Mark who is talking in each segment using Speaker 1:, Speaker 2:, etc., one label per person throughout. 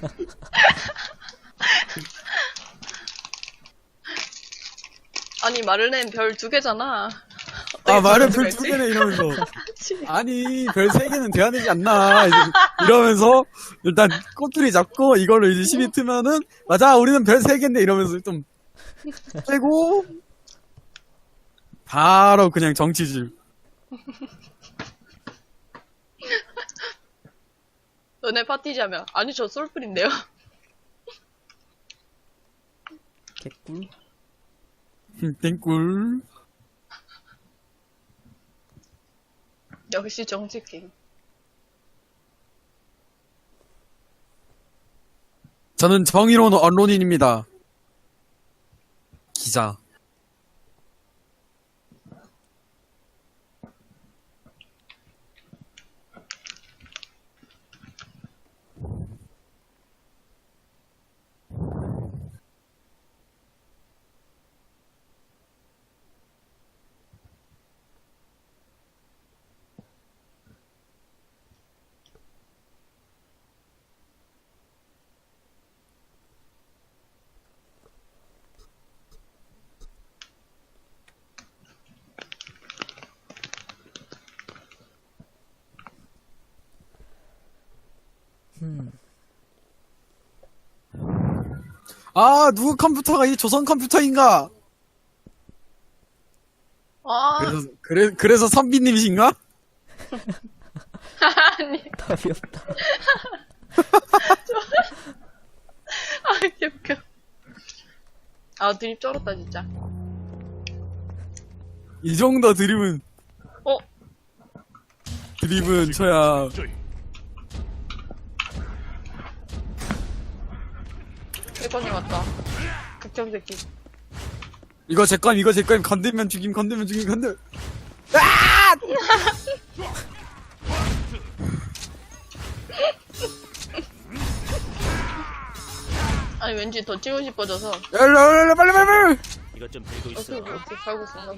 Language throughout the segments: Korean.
Speaker 1: 아니 마를렌 별 2개잖아.
Speaker 2: 아, 말은 별 2개네 이러면서. 아니, 별 3개는 돼야 되지 않나. 이러면서, 일단 꼬투리 잡고, 이걸로 이제 시비 트면은, 맞아, 우리는 별 3개인데 이러면서 좀, 빼고, 바로 그냥 정치질.
Speaker 1: 너네 파티자면 아니 저 솔플인데요.
Speaker 3: 개꿀.
Speaker 2: 땡꿀.
Speaker 1: 역시 정치킹.
Speaker 2: 저는 정의로운 언론인입니다. 기자. 아, 누구 컴퓨터가 이 조선 컴퓨터인가?
Speaker 1: 아
Speaker 2: 그래서 선비님이신가?
Speaker 1: 아니
Speaker 3: 답이 없다.
Speaker 1: 아 개웃겨. 아 드립 쩔었다 진짜.
Speaker 2: 이 정도 드립은,
Speaker 1: 어?
Speaker 2: 드립은 쳐야.
Speaker 1: 일건님 왔다. 극장 새끼.
Speaker 2: 이거 제 건, 건들면 죽임, 건들.
Speaker 1: 아니 왠지 더 찍고 싶어져서.
Speaker 2: 빨리.
Speaker 4: 이것 좀 들고 있어.
Speaker 1: 어떻게 살고 있어.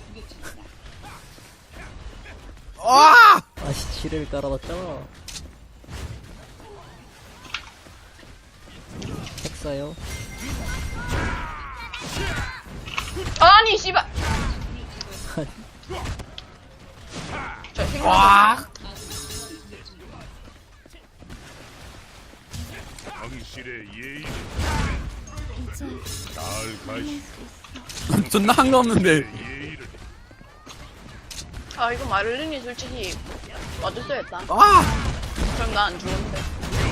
Speaker 2: 아!
Speaker 3: 아씨, 지뢰를 깔아놨잖아. 핵사요.
Speaker 1: 아니 씨발. 저 생각.
Speaker 2: 와!
Speaker 4: 당신의 예의는 날 가시
Speaker 2: 존나 한가없는데.
Speaker 4: 예의를
Speaker 1: 아 이거 마를렌이 솔직히 와줬어야 했다.
Speaker 2: 아!
Speaker 1: 그럼 나 안 죽었는데.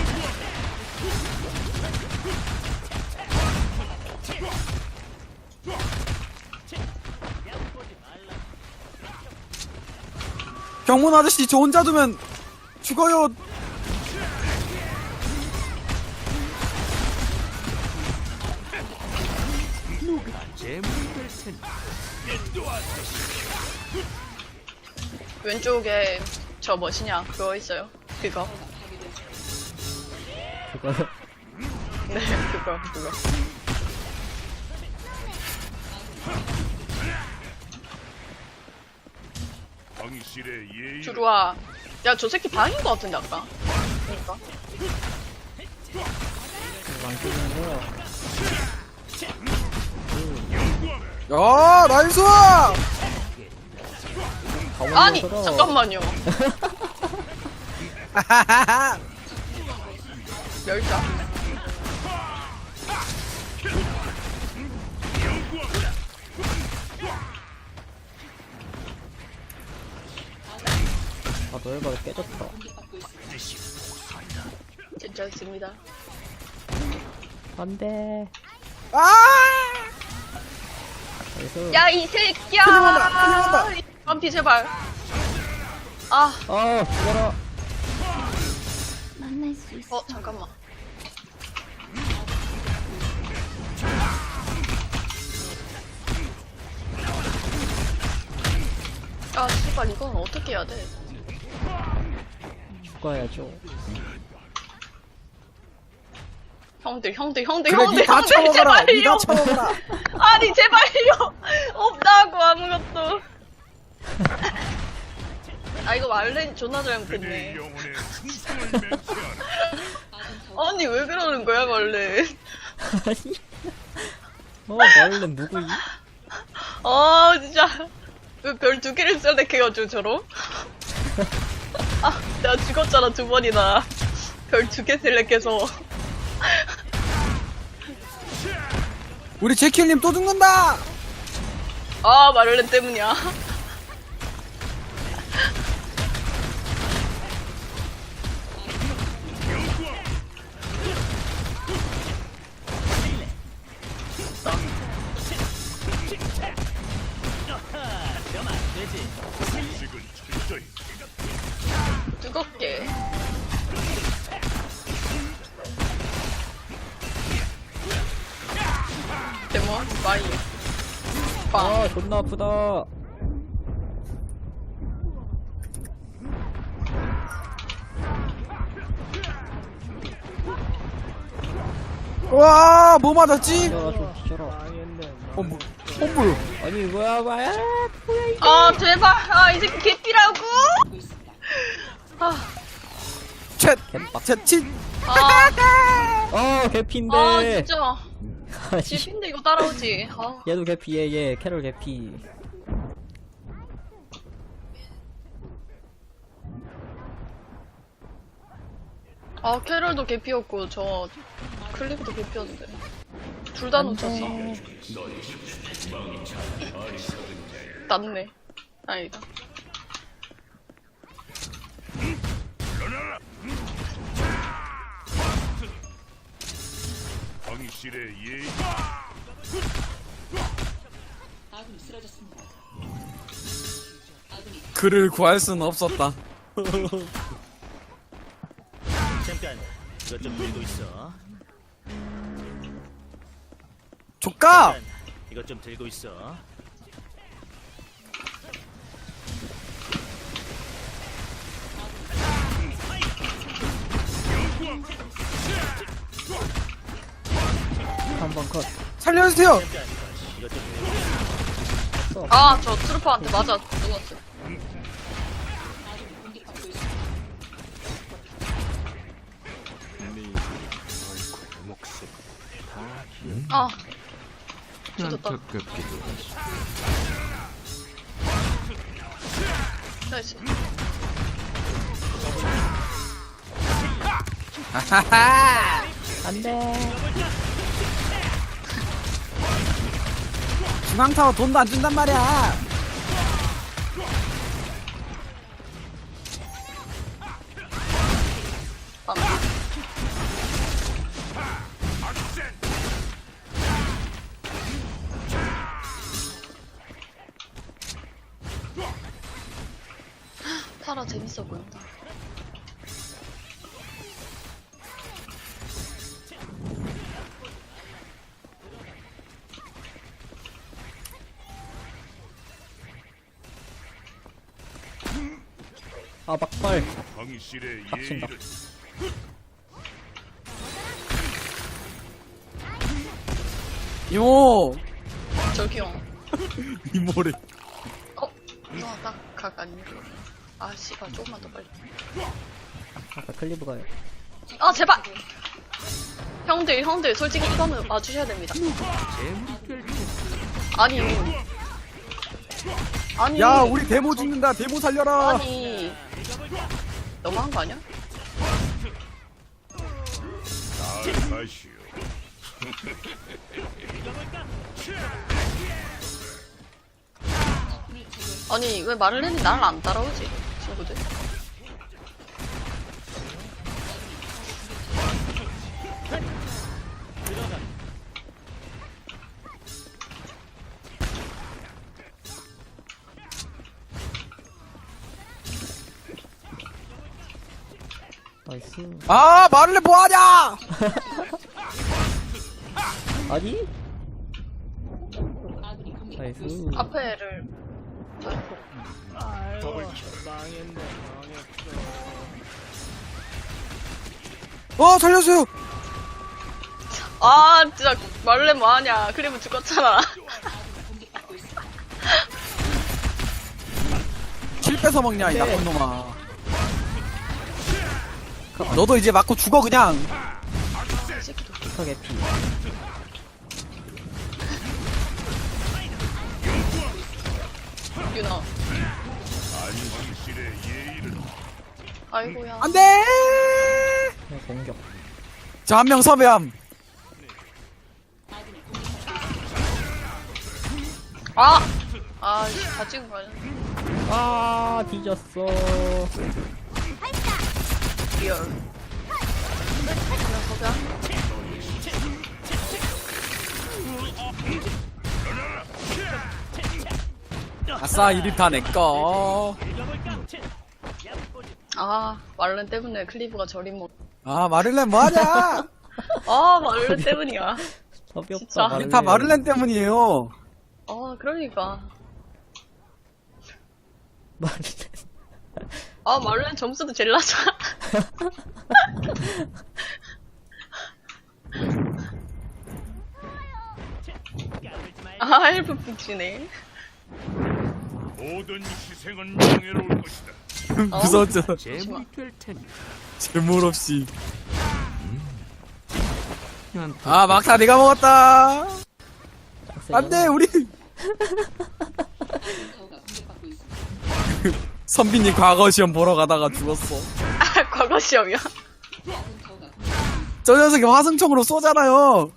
Speaker 2: 경문 아저씨 저 혼자 두면 죽어요.
Speaker 4: 재물될 텐데.
Speaker 1: 왼쪽에 저 뭐시냐 그거 있어요. 그거.
Speaker 3: 그거요.
Speaker 1: 네 그거.
Speaker 4: 당신의 예의를
Speaker 1: 들어와. 야 저 새끼 방인 것 같은데 아까. 그러니까.
Speaker 3: 안 깨지는 거야.
Speaker 2: 야, 나이스!
Speaker 1: 아니
Speaker 3: 가만히
Speaker 1: 잠깐만요. 열자.
Speaker 3: 아, 너희가 깨졌다.
Speaker 1: 괜찮습니다.
Speaker 3: 안 돼.
Speaker 2: 아!
Speaker 3: 그래서.
Speaker 1: 야 이 새끼야.
Speaker 2: 큰일 난다.
Speaker 1: 반피 제발. 아.
Speaker 3: 아, 죽어라.
Speaker 5: 만날 수 있어.
Speaker 1: 잠깐만. 아 씨발 이건 어떻게 해야 돼?
Speaker 3: 죽어야죠.
Speaker 1: 형들
Speaker 2: 그래, 니다 쳐먹어라. 니다 쳐먹어라.
Speaker 1: 아니 제발요. 없다고 아무것도. 아 이거 말렌 존나
Speaker 4: 그대의
Speaker 1: 잘못했네.
Speaker 4: 영혼에 충성을 맹세하라.
Speaker 1: 아니 왜 그러는 거야 원래?
Speaker 3: 아니. 말렌 누구이?
Speaker 1: 아 진짜 왜 별 2개를 셀렉해가지고 저러? 아 내가 죽었잖아 2번이나 별 2개 셀렉해서.
Speaker 2: 우리 제킬님 또 죽는다.
Speaker 1: 아 마를렌 때문이야.
Speaker 4: 지금 철저히
Speaker 1: 뜨겁게. 데몬 마이 빵.
Speaker 3: 아, 존나 아프다.
Speaker 2: 와, 뭐 맞았지?
Speaker 3: 야, 좀 뒤져라.
Speaker 2: 뭐.
Speaker 3: 아니, 뭐야.
Speaker 1: 아 제발 이 새끼 개띠라고.
Speaker 2: 채치.
Speaker 3: 개피인데.
Speaker 1: 진짜
Speaker 3: 아니,
Speaker 1: 집인데 이거 따라오지.
Speaker 3: 얘도 개피, 얘. 캐롤 개피.
Speaker 1: 캐럴도 개피였고 저 클리브도 개피였는데 둘 다 놓쳤어. 낫네. 다행이다.
Speaker 4: 당신의 예의
Speaker 2: 그를 구할 수는 없었다.
Speaker 5: 잠깐 이것 좀 들고 있어.
Speaker 2: 조까.
Speaker 5: 잠깐 이것 좀 들고 있어.
Speaker 3: 한 번 컷.
Speaker 2: 살려주세요.
Speaker 5: 잠깐 이것 좀 들고 있어.
Speaker 1: 저 트루퍼한테 맞아 죽었어. 죽었다. 나이스.
Speaker 2: 하하하.
Speaker 3: 안 돼.
Speaker 2: 중앙타워 돈도 안 준단 말이야.
Speaker 1: 타라 재밌어 보인다.
Speaker 3: 막발.
Speaker 4: 당신의
Speaker 3: 빡친다.
Speaker 4: 예의를
Speaker 2: 이모.
Speaker 1: 저기요.
Speaker 2: 이모래.
Speaker 1: 각 아니야. 씨발 조금만 더 빨리.
Speaker 3: 아까 클리브가
Speaker 1: 제발. 형들 솔직히 이거는 와주셔야 됩니다. 아니
Speaker 2: 야, 우리 데모 죽는다. 데모 살려라.
Speaker 1: 아니 너무한 거 아니야?
Speaker 4: 가시오.
Speaker 1: 아니 왜 마를렌이 나를 안 따라오지 친구들?
Speaker 3: 나이스.
Speaker 2: 말을 뭐하냐?
Speaker 3: 아니? 나이스.
Speaker 1: 앞에를
Speaker 2: 살려주세요.
Speaker 1: 진짜 마를렌 뭐하냐. 클리브 죽었잖아.
Speaker 2: 킬 뺏어 먹냐 이 나쁜 놈아. 너도 이제 맞고 죽어 그냥.
Speaker 1: 이 새끼도.
Speaker 3: 피카 개피.
Speaker 1: 유나.
Speaker 4: 당신의 예의는
Speaker 1: 아이고야.
Speaker 2: 안돼.
Speaker 3: 그냥 공격.
Speaker 2: 자 한 명 섭외함.
Speaker 1: 아! 아, 씨, 다 찍은 거 아니야?
Speaker 3: 아, 뒤졌어.
Speaker 1: 리얼. 그냥 거기야?
Speaker 2: 아싸 1위 다 내꺼.
Speaker 1: 아, 말렌 때문에 클리브가 저리 못.
Speaker 2: 아 마를렌 뭐하냐.
Speaker 1: 아, 말렌 때문이야.
Speaker 3: 답이
Speaker 1: 진짜.
Speaker 3: 없다.
Speaker 2: 다 마를렌 때문이에요.
Speaker 1: 아, 그러니까.
Speaker 3: 마를렌.
Speaker 1: 아, 말렌 점수도 제일 낮아. 아, 헬프 북치네.
Speaker 4: 모든 희생은 명예로울 것이다.
Speaker 2: 무서웠잖아.
Speaker 1: 잠시만.
Speaker 2: 재물 없이. 아 막타 내가 먹었다. 안돼 우리. 선비님 과거 시험 보러 가다가 죽었어.
Speaker 1: 아, 과거 시험이야?
Speaker 2: 저 녀석이 화승총으로 쏘잖아요.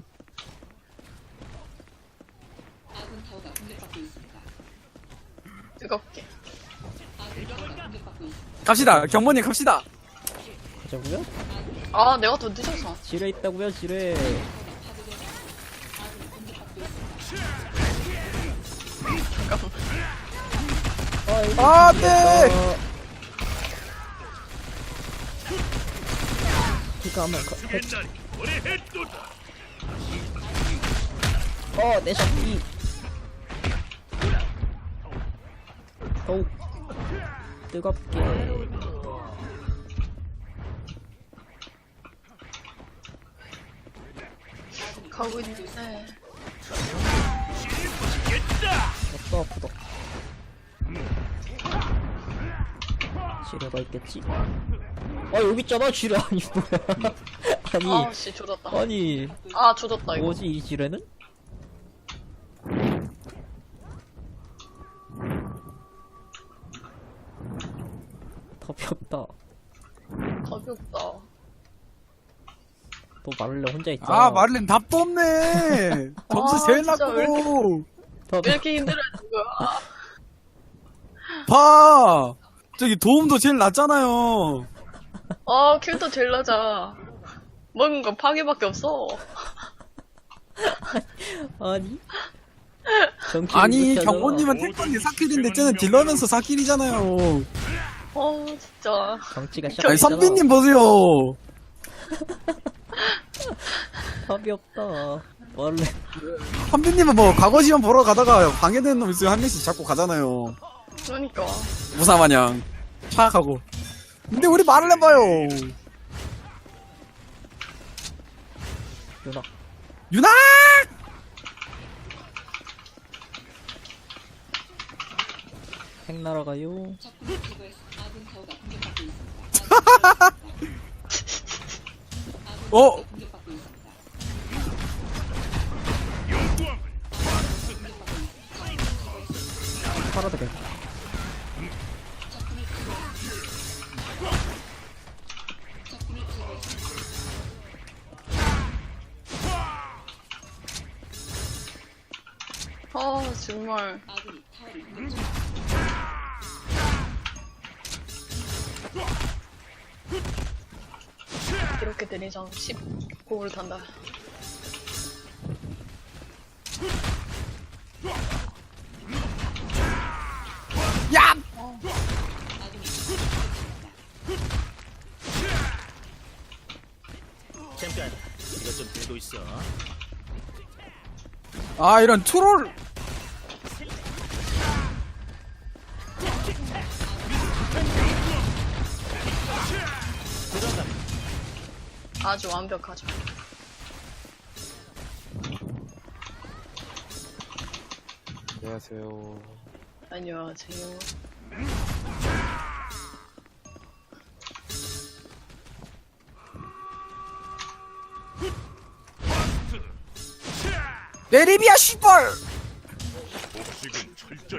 Speaker 1: 뜨겁게.
Speaker 2: 갑시다 경모님 갑시다.
Speaker 3: 가자고요?
Speaker 1: 아, 내가 더 늦어서.
Speaker 3: 지뢰 있다고요, 지뢰.
Speaker 1: 잠깐만.
Speaker 2: 아, 안돼.
Speaker 3: 피카 한번
Speaker 4: 옛날이 오래했도다.
Speaker 3: 내 샷이. 더욱 뜨겁게.
Speaker 1: 가고 있는데.
Speaker 3: 없어, 아프다. 지뢰가 있겠지? 여기 있잖아, 지뢰. 아니, 뭐야. 아니,
Speaker 1: 아, 씨, 조졌다.
Speaker 3: 아니,
Speaker 1: 아, 조졌다, 이거.
Speaker 3: 뭐지, 이 지뢰는? 답이 없다.
Speaker 1: 답이 없다.
Speaker 3: 또 마를레 혼자 있잖아.
Speaker 2: 아 마를렌 답도 없네. 점수
Speaker 1: 아,
Speaker 2: 제일
Speaker 1: 진짜 왜
Speaker 2: 낮고.
Speaker 3: 답이
Speaker 1: 왜 이렇게 힘들어하는 거야?
Speaker 2: 봐. 저기 도움도 제일 낮잖아요.
Speaker 1: 아, 킬도 제일 낮아. 먹은 건 파괴밖에 없어.
Speaker 3: 아니? 정키를
Speaker 2: 아니
Speaker 3: 못하잖아.
Speaker 2: 경모님은 택건이 사킬인데 쟤는 딜러면서 사킬이잖아요.
Speaker 1: 진짜.
Speaker 3: 정치가
Speaker 2: 아니
Speaker 3: 시작했잖아.
Speaker 2: 선비님 보세요.
Speaker 3: 답이 없다. 원래
Speaker 2: 선비님은 뭐 과거 시험 보러 가다가 방해되는 놈 있으면 한 명씩 잡고 가잖아요.
Speaker 1: 그러니까.
Speaker 2: 무사마냥 파악하고. 근데 우리 말을 해봐요.
Speaker 3: 누나
Speaker 2: 유나!
Speaker 3: 핵 날아가요.
Speaker 2: 어?
Speaker 3: 팔아도 돼.
Speaker 1: 아, 정말. 이렇게 되니 전 19를 탄다.
Speaker 2: 야!
Speaker 5: 챔피언, 이것 좀 들고 있어.
Speaker 2: 아 이런 트롤.
Speaker 1: 아주 완벽하죠.
Speaker 2: 안녕하세요.
Speaker 1: 안녕하세요.
Speaker 2: 내리비야 씨발.
Speaker 4: 복식은 철저히.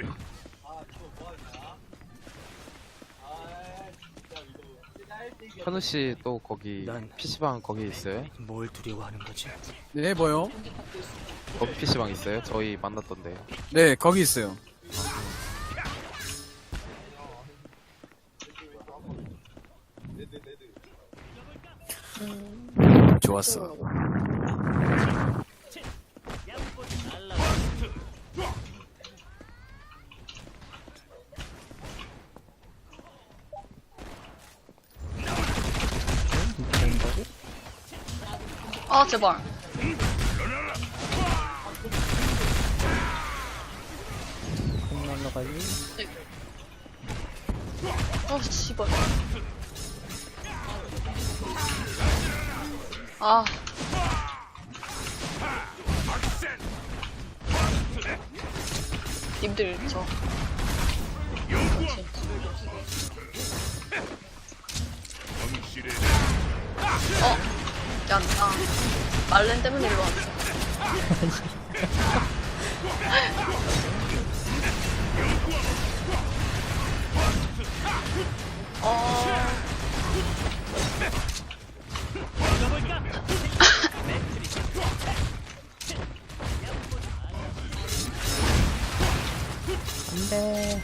Speaker 6: 현우 씨 또 거기
Speaker 5: 난-
Speaker 6: PC방 거기 있어요?
Speaker 5: 뭘 두려워하는 거지?
Speaker 2: 네 뭐요?
Speaker 6: 거기 PC방 있어요? 저희 만났던데요.
Speaker 2: 네 거기 있어요. 좋았어.
Speaker 1: 아, 제발.
Speaker 3: 공 날라가지.
Speaker 1: 아, 씨발. 아. 님들, 저.
Speaker 4: 정실에
Speaker 1: 야, 나. 말렌 때문에 일로 왔어.
Speaker 3: 안돼.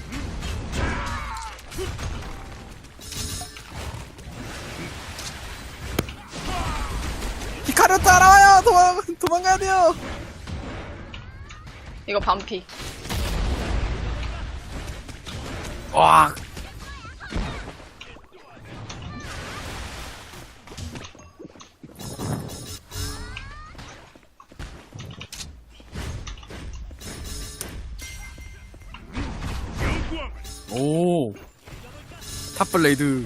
Speaker 2: 히카루 따라와요. 도망가야 돼요.
Speaker 1: 이거 반피.
Speaker 2: 와. 오. 탑블레이드.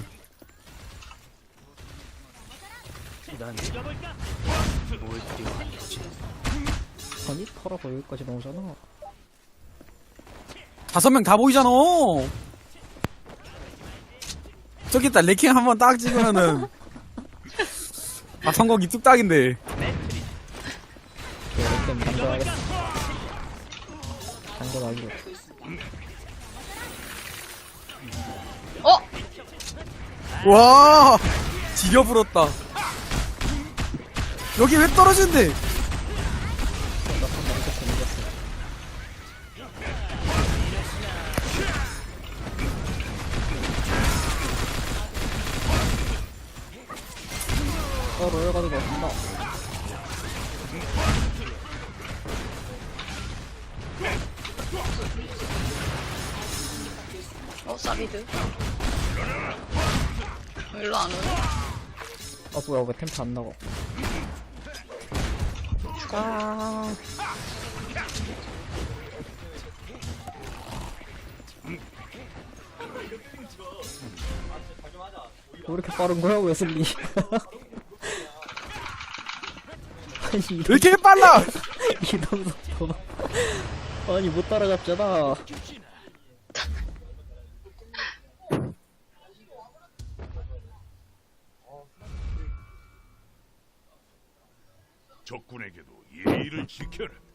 Speaker 5: 난 뭘 두려워하는 거지?
Speaker 3: 아니 털어서 여기까지 나오잖아.
Speaker 2: 5명 다 보이잖아. 저기 있다. 레킹 한번 딱 찍으면은 아 성공이 뚝딱인데.
Speaker 3: 이렇게 당겨야겠어. 당겨가지고.
Speaker 1: 어?
Speaker 2: 와 지려 불었다. 여기 왜 떨어진대?
Speaker 3: 로열가지고 간다.
Speaker 1: 사비드. 일로 안 오네.
Speaker 3: 아 뭐야 왜 템프 안 나가? 아. 왜 이렇게 빠른 거야 웨슬리? 아니
Speaker 2: 왜 이렇게 빨라?
Speaker 3: 이동 속도 아니 못 따라잡잖아.
Speaker 4: 적군에게도 예의를 지켜라.